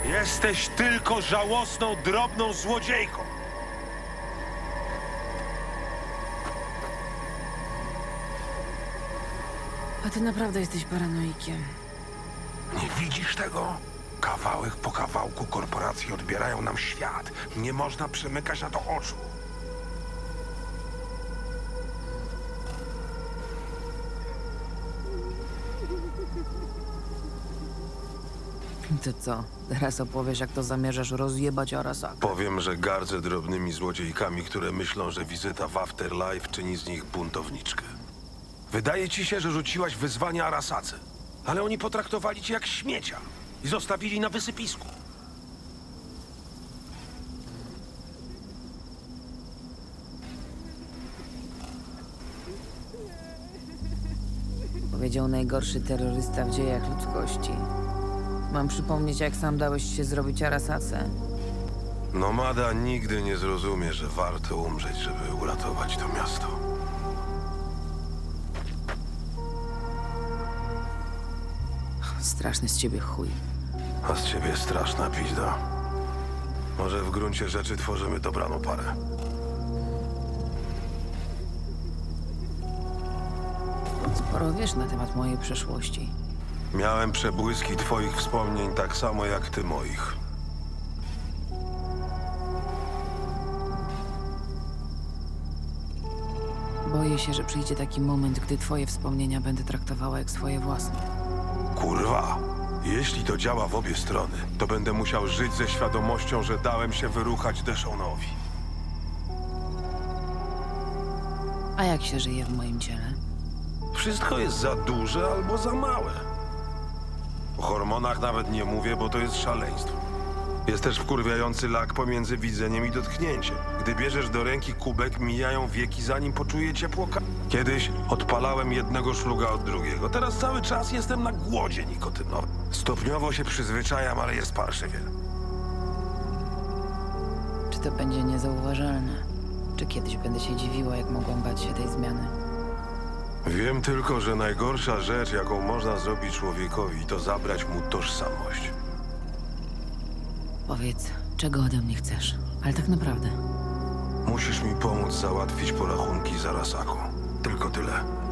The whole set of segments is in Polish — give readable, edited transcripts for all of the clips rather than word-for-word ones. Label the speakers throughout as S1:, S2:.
S1: Jesteś tylko żałosną, drobną złodziejką.
S2: A ty naprawdę jesteś paranoikiem.
S1: Nie widzisz tego? Kawałek po kawałku korporacje odbierają nam świat. Nie można przymykać na to oczu.
S2: To co? Teraz opowiesz, jak to zamierzasz rozjebać Arasaka.
S1: Powiem, że gardzę drobnymi złodziejkami, które myślą, że wizyta w Afterlife czyni z nich buntowniczkę. Wydaje ci się, że rzuciłaś wyzwanie Arasace, ale oni potraktowali cię jak śmiecia i zostawili na wysypisku.
S2: Powiedział najgorszy terrorysta w dziejach ludzkości. Mam przypomnieć, jak sam dałeś się zrobić Arasace?
S1: Nomada nigdy nie zrozumie, że warto umrzeć, żeby uratować to miasto.
S2: Straszny z ciebie chuj.
S1: A z ciebie straszna pizda. Może w gruncie rzeczy tworzymy dobraną parę.
S2: Sporo wiesz na temat mojej przeszłości.
S1: Miałem przebłyski twoich wspomnień tak samo jak ty moich.
S2: Boję się, że przyjdzie taki moment, gdy twoje wspomnienia będę traktowała jak swoje własne.
S1: Kurwa! Jeśli to działa w obie strony, to będę musiał żyć ze świadomością, że dałem się wyruchać Deshaonowi.
S2: A jak się żyje w moim ciele?
S1: Wszystko jest za duże albo za małe. O hormonach nawet nie mówię, bo to jest szaleństwo. Jest też wkurwiający lak pomiędzy widzeniem i dotknięciem. Gdy bierzesz do ręki kubek, mijają wieki, zanim poczuję ciepło. Kiedyś odpalałem jednego szluga od drugiego. Teraz cały czas jestem na głodzie nikotynowym. Stopniowo się przyzwyczajam, ale jest parszywie.
S2: Czy to będzie niezauważalne? Czy kiedyś będę się dziwiła, jak mogłam bać się tej zmiany?
S1: Wiem tylko, że najgorsza rzecz, jaką można zrobić człowiekowi, to zabrać mu tożsamość.
S2: Powiedz, czego ode mnie chcesz? Ale tak naprawdę.
S1: Musisz mi pomóc załatwić porachunki z Arasaką. Tylko tyle.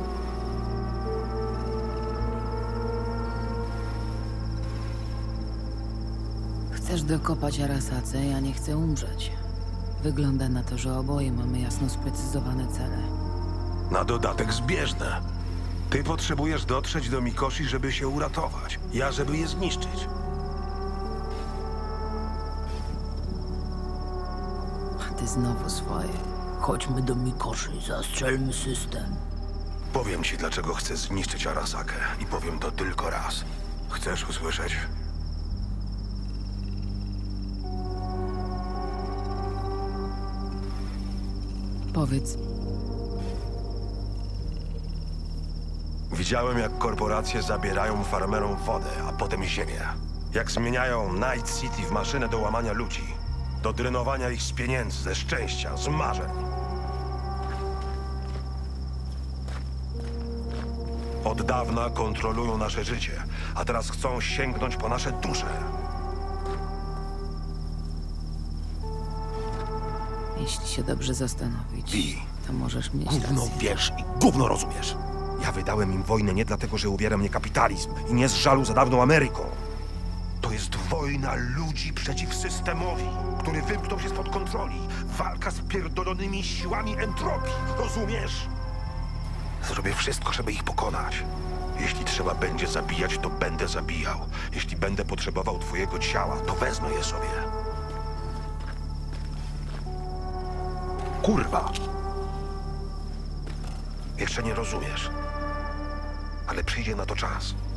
S2: Chcesz dokopać Arasace, ja nie chcę umrzeć. Wygląda na to, że oboje mamy jasno sprecyzowane cele.
S1: Na dodatek zbieżne. Ty potrzebujesz dotrzeć do Mikoshi, żeby się uratować. Ja, żeby je zniszczyć.
S2: A ty znowu swoje. Chodźmy do Mikoshi, zastrzelmy system.
S1: Powiem ci, dlaczego chcę zniszczyć Arasakę. I powiem to tylko raz. Chcesz usłyszeć?
S2: Powiedz.
S1: Widziałem, jak korporacje zabierają farmerom wodę, a potem ziemię. Jak zmieniają Night City w maszynę do łamania ludzi. Do drenowania ich z pieniędzy, ze szczęścia, z marzeń. Od dawna kontrolują nasze życie, a teraz chcą sięgnąć po nasze dusze.
S2: Jeśli się dobrze zastanowić,
S1: Wi,
S2: to możesz mieć
S3: Gówno
S2: rację.
S3: wiesz i gówno rozumiesz. Ja wydałem im wojnę nie dlatego, że uwiera mnie kapitalizm i nie z żalu za dawną Ameryką.
S1: to jest wojna ludzi przeciw systemowi, który wymknął się spod kontroli. Walka z pierdolonymi siłami entropii, rozumiesz? Zrobię wszystko, żeby ich pokonać. Jeśli trzeba będzie zabijać, to będę zabijał. Jeśli będę potrzebował twojego ciała, to wezmę je sobie. Kurwa! Jeszcze nie rozumiesz. Ale przyjdzie na to czas.